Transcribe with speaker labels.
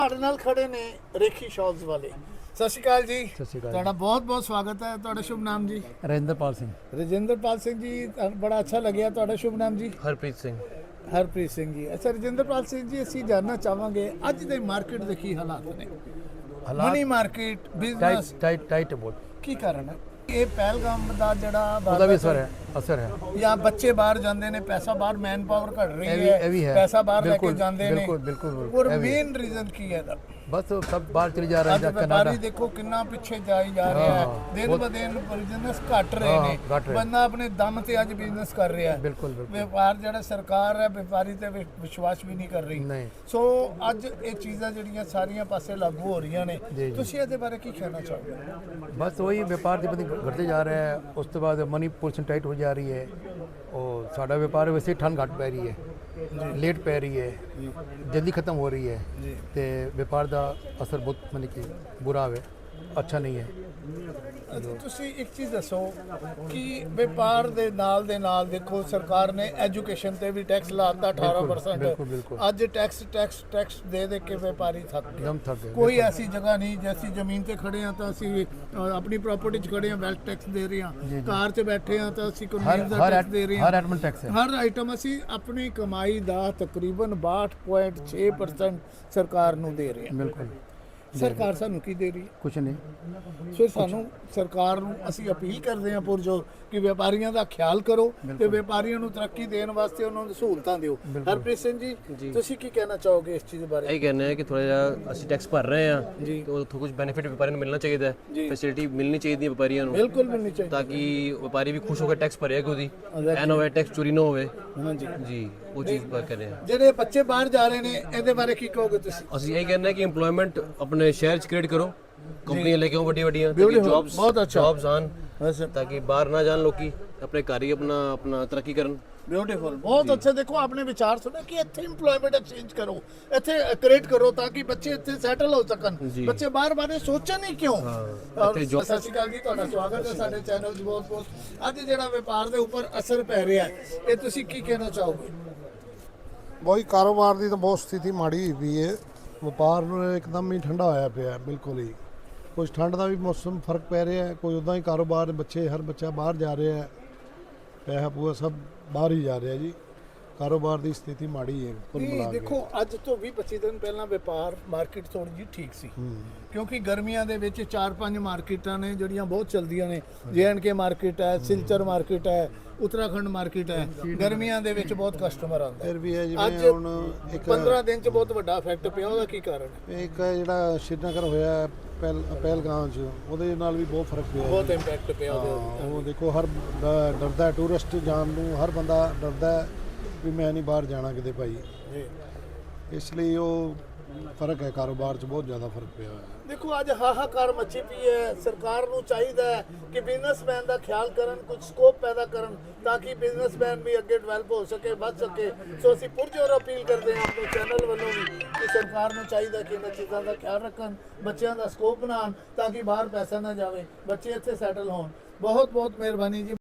Speaker 1: ਸਾਡੇ ਨਾਲ ਖੜੇ ਨੇ ਰੇਖੀ ਸ਼ਾਲਸ ਵਾਲੇ। ਸਤਿ ਸ਼੍ਰੀ ਅਕਾਲ ਜੀ।
Speaker 2: ਸਤਿ ਸ਼੍ਰੀ ਅਕਾਲ।
Speaker 1: ਤੁਹਾਡਾ ਬਹੁਤ ਬਹੁਤ ਸਵਾਗਤ ਹੈ। ਤੁਹਾਡਾ ਸ਼ੁਭ ਨਾਮ ਜੀ?
Speaker 2: ਰਜਿੰਦਰਪਾਲ ਸਿੰਘ।
Speaker 1: ਰਜਿੰਦਰਪਾਲ ਸਿੰਘ ਜੀ, ਬੜਾ ਅੱਛਾ ਲੱਗਿਆ। ਤੁਹਾਡਾ ਸ਼ੁਭ ਨਾਮ ਜੀ?
Speaker 3: ਹਰਪ੍ਰੀਤ ਸਿੰਘ।
Speaker 1: ਹਰਪ੍ਰੀਤ ਸਿੰਘ ਜੀ। ਅੱਛਾ ਰਜਿੰਦਰਪਾਲ ਸਿੰਘ ਜੀ, ਅਸੀਂ ਜਾਨਣਾ ਚਾਹਾਂਗੇ ਅੱਜ ਦੇ ਮਾਰਕੀਟ ਦੇ ਕੀ ਹਾਲਾਤ ਨੇ? ਮਨੀ ਮਾਰਕੀਟ, ਬਿਜ਼ਨਸ
Speaker 2: ਟਾਈਟ ਬਹੁਤ।
Speaker 1: ਕੀ ਕਾਰਨ ਹੈ? ਇਹ ਪਹਿਲਗਾਮ ਦਾ ਜਿਹੜਾ
Speaker 2: ਉਹਦਾ ਵੀ ਅਸਰ ਹੈ
Speaker 1: ਜਾਂ ਬੱਚੇ ਬਾਹਰ ਜਾਂਦੇ ਨੇ, ਪੈਸਾ ਬਾਹਰ, ਮੈਨ ਪਾਵਰ ਘਟ ਰਹੀ
Speaker 2: ਇਹ ਵੀ ਹੈ।
Speaker 1: ਪੈਸਾ ਬਾਹਰ ਲੈ ਕੇ ਜਾਂਦੇ ਨੇ।
Speaker 2: ਬਿਲਕੁਲ।
Speaker 1: ਔਰ ਮੇਨ ਰੀਜ਼ਨ ਕੀ ਹੈ ਇਹਦਾ?
Speaker 2: ਬਸ सब बाहर चले जा रहे हैं।
Speaker 1: ਵਪਾਰੀ ਦੇਖੋ ਕਿੰਨਾ ਪਿੱਛੇ ਜਾਈ ਜਾ ਰਿਹਾ ਹੈ। ਦਿਨ ਬ ਦਿਨ ਬਿਜ਼ਨਸ ਘਟ ਰਹੇ ਨੇ। ਬੰਦਾ ਆਪਣੇ ਦਮ ਤੇ ਅੱਜ ਬਿਜ਼ਨਸ ਕਰ ਰਿਹਾ ਹੈ।
Speaker 2: ਬਿਲਕੁਲ।
Speaker 1: ਵਪਾਰ ਜਿਹੜਾ ਸਰਕਾਰ ਹੈ ਵਪਾਰੀ ਤੇ ਵਿਸ਼ਵਾਸ ਵੀ ਨਹੀਂ ਕਰ ਰਹੀ। ਸੋ ਅੱਜ ਇਹ ਚੀਜ਼ਾਂ ਜਿਹੜੀਆਂ ਸਾਰੀਆਂ ਪਾਸੇ ਲਾਗੂ ਹੋ ਰਹੀਆਂ ਨੇ, ਤੁਸੀਂ ਇਹਦੇ ਬਾਰੇ ਕੀ ਕਹਿਣਾ ਚਾਹੋਗੇ?
Speaker 2: बस वही व्यापार जब घटते जा रहा है, उस तो बाद मनी पोजीशन टाइट हो जा रही है और साड़ा व्यापार वैसे ठंड घट पै रही है, लेट पै रही है, जल्दी खत्म हो रही है तो व्यापार का असर बहुत मतलब कि बुरा है, अच्छा नहीं है।
Speaker 1: ਤੁਸੀਂ ਇੱਕ ਚੀਜ਼ ਦੱਸੋ ਕਿ ਵਪਾਰ ਦੇ ਨਾਲ ਦੇਖੋ ਸਰਕਾਰ ਨੇ ਐਜੂਕੇਸ਼ਨ ਤੇ ਵੀ ਟੈਕਸ ਲਾਤਾ 18%। ਅੱਜ ਟੈਕਸ ਦੇ ਕੇ ਵਪਾਰੀ ਥੱਕ ਗਏ। ਕੋਈ ਐਸੀ ਜਗ੍ਹਾ ਨਹੀਂ ਜੈਸੀ ਜ਼ਮੀਨ ਤੇ ਖੜੇ ਆ ਤਾਂ ਅਸੀਂ ਆਪਣੀ ਪ੍ਰਾਪਰਟੀ 'ਚ ਖੜੇ ਆ, ਵੈਲਥ ਟੈਕਸ ਦੇ ਰਹੇ ਆ। ਕਾਰ 'ਚ ਬੈਠੇ ਆ ਤਾਂ ਅਸੀਂ ਕਨਵੀਨਸ ਦਾ ਟੈਕਸ ਦੇ ਰਹੇ ਆ। ਹਰ ਆਈਟਮ ਅਸੀਂ ਆਪਣੀ ਕਮਾਈ ਦਾ ਤਕਰੀਬਨ 62.6% ਸਰਕਾਰ ਨੂੰ ਦੇ ਰਹੇ ਆ।
Speaker 2: ਬਿਲਕੁਲ।
Speaker 1: ਸਰਕਾਰ ਸਾਨੂੰ ਕੀ ਦੇ ਰਹੀ ਹੈ?
Speaker 2: ਕੁਛ ਨਹੀਂ।
Speaker 1: ਫਿਰ ਸਾਨੂੰ ਸਰਕਾਰ ਨੂੰ ਅਸੀਂ ਅਪੀਲ ਕਰਦੇ ਹਾਂ ਪੁਰਜੋਰ ਕਿ ਵਪਾਰੀਆਂ ਦਾ ਖਿਆਲ ਕਰੋ ਤੇ ਵਪਾਰੀਆਂ ਨੂੰ ਤਰੱਕੀ ਦੇਣ ਵਾਸਤੇ ਉਹਨਾਂ ਨੂੰ ਸਹੂਲਤਾਂ ਦਿਓ। ਹਰਪ੍ਰੀਤ ਸਿੰਘ ਜੀ, ਤੁਸੀਂ ਕੀ ਕਹਿਣਾ ਚਾਹੋਗੇ ਇਸ ਚੀਜ਼ ਬਾਰੇ?
Speaker 3: ਇਹ ਕਹਿਣਾ ਹੈ ਕਿ ਥੋੜਾ ਜਿਹਾ ਅਸੀਂ ਟੈਕਸ ਭਰ ਰਹੇ ਹਾਂ ਤੇ ਉੱਥੋਂ ਕੁਝ ਬੈਨੀਫਿਟ ਵਪਾਰੀਆਂ ਨੂੰ ਮਿਲਣਾ ਚਾਹੀਦਾ ਹੈ, ਫੈਸਿਲਿਟੀ ਮਿਲਣੀ ਚਾਹੀਦੀ ਹੈ ਵਪਾਰੀਆਂ ਨੂੰ।
Speaker 1: ਬਿਲਕੁਲ ਮਿਲਣੀ ਚਾਹੀਦੀ
Speaker 3: ਤਾਂ ਕਿ ਵਪਾਰੀ ਵੀ ਖੁਸ਼ ਹੋ ਕੇ ਟੈਕਸ ਭਰੇ ਉਹਦੀ, ਐ ਨਾ ਹੋਵੇ ਟੈਕਸ ਚੋਰੀ ਨਾ ਹੋਵੇ। ਜੀ ਉਹ ਚੀਜ਼ ਬਾਤ ਕਰ ਰਹੇ ਹਾਂ।
Speaker 1: ਜਿਹੜੇ ਬੱਚੇ ਬਾਹਰ ਜਾ ਰਹੇ ਨੇ ਇਹਦੇ ਬਾਰੇ ਕੀ ਕਹੋਗੇ ਤੁਸੀਂ?
Speaker 3: ਅਸੀਂ ਇਹ ਕਹਿੰਦੇ ਕਿ ਏਮਪਲੋਇਮੈਂਟ ਆਪਣੇ ਸ਼ਹਿਰ 'ਚ ਕ੍ਰੀਏਟ ਕਰੋ, ਕੰਪਨੀਆਂ ਲੈ ਕੇ ਆਓ ਵੱਡੀਆਂ ਜੌਬਸ ਆਣ, ਤਾਂ ਕਿ ਬਾਹਰ ਨਾ ਜਾਣ ਲੋਕੀ, ਆਪਣੇ ਘਰ ਹੀ ਆਪਣਾ ਤਰੱਕੀ ਕਰਨ।
Speaker 1: ਬਿਊਟੀਫੁਲ, ਬਹੁਤ ਅੱਛਾ। ਦੇਖੋ ਆਪਣੇ ਵਿਚਾਰ ਸੁਣੋ ਕਿ ਇੱਥੇ ਏਮਪਲੋਇਮੈਂਟ ਐਕਸਚੇਂਜ ਕਰੋ, ਇੱਥੇ ਕ੍ਰੀਏਟ ਕਰੋ ਤਾਂ ਕਿ ਬੱਚੇ ਇੱਥੇ ਸੈਟਲ ਹੋ ਸਕਣ। ਬੱਚੇ ਬਾਹਰ ਬਾਰੇ ਸੋਚਣ ਹੀ ਕਿਉਂ? ਸਤਿ ਸ਼੍ਰੀ ਅਕਾਲ ਜੀ, ਤੁਹਾਡਾ ਸਵਾਗਤ ਹੈ ਸਾਡੇ ਚੈਨਲ 'ਚ ਬਹੁਤ। ਅੱਜ ਜਿਹੜਾ ਵਪਾਰ ਦੇ ਉੱਪਰ ਅਸਰ ਪੈ ਰਿਹਾ ਹੈ, ਇਹ ਤੁਸੀਂ ਕੀ ਕਹਿਣਾ ਚਾਹੋਗੇ?
Speaker 4: ਬਹੁਤ ਕਾਰੋਬਾਰ ਦੀ ਤਾਂ ਬਹੁਤ ਸਥਿਤੀ ਮਾੜੀ ਹੋਈ ਵੀ ਹੈ। ਵਪਾਰ ਨੂੰ ਇੱਕਦਮ ਹੀ ਠੰਡਾ ਹੋਇਆ ਪਿਆ, ਬਿਲਕੁਲ ਹੀ। ਕੁਝ ਠੰਡ ਦਾ ਵੀ ਮੌਸਮ ਫਰਕ ਪੈ ਰਿਹਾ ਹੈ, ਕੋਈ ਉੱਦਾਂ ਹੀ ਕਾਰੋਬਾਰ, ਹਰ ਬੱਚਾ ਬਾਹਰ ਜਾ ਰਿਹਾ ਹੈ, ਪੈਸਾ ਪੂਆ ਸਭ ਬਾਹਰ ਹੀ ਜਾ ਰਿਹਾ ਜੀ। ਕਾਰੋਬਾਰ ਦੀ ਸਥਿਤੀ ਮਾੜੀ ਹੈ ਕੁੱਲ ਮਿਲਾ ਕੇ।
Speaker 1: ਦੇਖੋ ਅੱਜ ਤੋਂ 20-25 ਦਿਨ ਪਹਿਲਾਂ ਵਪਾਰ ਮਾਰਕੀਟ ਥੋੜੀ ਜਿਹੀ ਠੀਕ ਸੀ, ਕਿਉਂਕਿ ਗਰਮੀਆਂ ਦੇ ਵਿੱਚ 4-5 ਮਾਰਕੀਟਾਂ ਨੇ ਜਿਹੜੀਆਂ ਬਹੁਤ ਚੱਲਦੀਆਂ ਨੇ। JNK ਮਾਰਕੀਟ ਹੈ, ਸਿਲਚਰ ਮਾਰਕੀਟ ਹੈ, ਉੱਤਰਾਖੰਡ ਮਾਰਕੀਟ ਹੈ। ਗਰਮੀਆਂ ਦੇ ਵਿੱਚ ਬਹੁਤ ਕਸਟਮਰ ਆਉਂਦਾ
Speaker 4: ਫਿਰ ਵੀ ਹੈ
Speaker 1: ਅੱਜ
Speaker 4: ਜਿਵੇਂ ਹੁਣ ਇੱਕ
Speaker 1: 15 ਦਿਨ 'ਚ ਬਹੁਤ ਵੱਡਾ ਇਫੈਕਟ ਪਿਆ। ਉਹਦਾ ਕੀ ਕਾਰਨ ਹੈ?
Speaker 4: ਇੱਕ ਜਿਹੜਾ ਸ਼੍ਰੀਨਗਰ ਹੋਇਆ ਪਹਿਲਗਾਮ 'ਚ, ਉਹਦੇ ਨਾਲ ਵੀ ਬਹੁਤ ਫਰਕ ਪਿਆ,
Speaker 1: ਬਹੁਤ ਇੰਪੈਕਟ ਪਿਆ ਉਹਦੇ।
Speaker 4: ਉਹ ਦੇਖੋ ਹਰ ਡਰਦਾ ਹੈ, ਟੂਰਿਸਟ ਜਾਣ ਨੂੰ ਹਰ ਬੰਦਾ ਡਰਦਾ ਹੈ ਵੀ ਮੈਂ ਨਹੀਂ ਬਾਹਰ ਜਾਣਾ ਕਿਤੇ ਭਾਈ। ਇਸ ਲਈ ਉਹ ਫਰਕ ਹੈ, ਕਾਰੋਬਾਰ 'ਚ ਬਹੁਤ ਜ਼ਿਆਦਾ ਫਰਕ ਪਿਆ ਹੈ।
Speaker 1: ਦੇਖੋ ਅੱਜ ਹਾਹਾਕਾਰ ਮੱਚੀ ਪਈ ਹੈ। ਸਰਕਾਰ ਨੂੰ ਚਾਹੀਦਾ ਹੈ ਕਿ ਬਿਜ਼ਨਸਮੈਨ ਦਾ ਖਿਆਲ ਕਰਨ, ਕੁਝ ਸਕੋਪ ਪੈਦਾ ਕਰਨ ਤਾਂ ਕਿ ਬਿਜ਼ਨਸਮੈਨ ਵੀ ਅੱਗੇ ਡਿਵੈਲਪ ਹੋ ਸਕੇ, ਵੱਧ ਸਕੇ। ਸੋ ਅਸੀਂ ਪੁਰਜੋਰ ਅਪੀਲ ਕਰਦੇ ਹਾਂ ਆਪਣੇ ਚੈਨਲ ਵੱਲੋਂ ਵੀ ਕਿ ਸਰਕਾਰ ਨੂੰ ਚਾਹੀਦਾ ਕਿ ਇਹਨਾਂ ਚੀਜ਼ਾਂ ਦਾ ਖਿਆਲ ਰੱਖਣ, ਬੱਚਿਆਂ ਦਾ ਸਕੋਪ ਬਣਾਉਣ ਤਾਂ ਕਿ ਬਾਹਰ ਪੈਸਾ ਨਾ ਜਾਵੇ, ਬੱਚੇ ਇੱਥੇ ਸੈਟਲ ਹੋਣ। ਬਹੁਤ ਬਹੁਤ ਮਿਹਰਬਾਨੀ ਜੀ।